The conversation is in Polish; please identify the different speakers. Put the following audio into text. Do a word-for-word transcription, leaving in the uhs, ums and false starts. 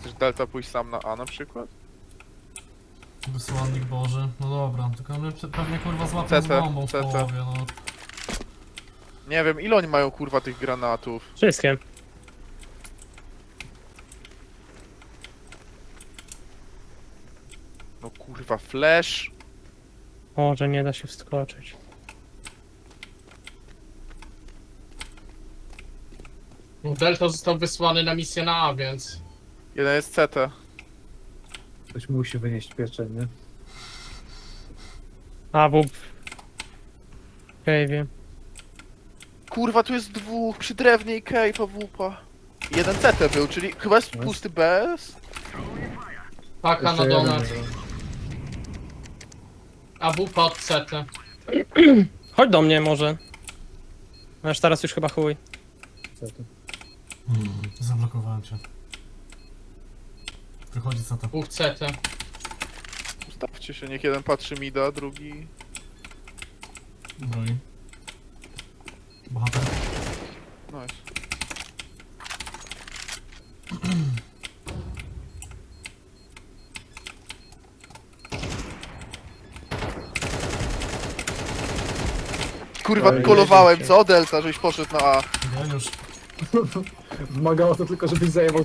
Speaker 1: Chcesz Delta pójść sam na A na przykład?
Speaker 2: Wysłannik Boży. No dobra, tylko my pe- pewnie kurwa złapią z
Speaker 1: C T,
Speaker 2: bombą w
Speaker 1: C T.
Speaker 2: połowie, no.
Speaker 1: Nie wiem, ile oni mają kurwa tych granatów.
Speaker 3: Wszystkie.
Speaker 1: No kurwa, flash.
Speaker 3: Może nie da się wskoczyć.
Speaker 4: No, Delta został wysłany na misję na A, więc...
Speaker 1: Jeden jest C T.
Speaker 5: Ktoś musi wynieść pieczenie.
Speaker 3: A, w cave'ie.
Speaker 1: Kurwa, tu jest dwóch, przy drewnie i Cape, a wupa. Jeden C T był, czyli chyba jest pusty B S?
Speaker 4: Paka na
Speaker 5: Jeszcze
Speaker 4: donat.
Speaker 5: jeden.
Speaker 4: A W pod C T.
Speaker 3: Chodź do mnie może. Aż teraz już chyba chuj.
Speaker 5: Co to?
Speaker 2: Hmm, zablokowałem cię. Wychodzi co to.
Speaker 4: Dwóch C T.
Speaker 1: Ustawcie się, niech jeden patrzy mida, drugi...
Speaker 2: Broi. Bohater.
Speaker 1: Nice. Kurwa,
Speaker 5: Oj,
Speaker 1: kolowałem,
Speaker 5: jedzie się.
Speaker 1: co? Delta, żeś poszedł na A.
Speaker 2: Geniusz.
Speaker 5: Wymagało to tylko, żebyś zajmował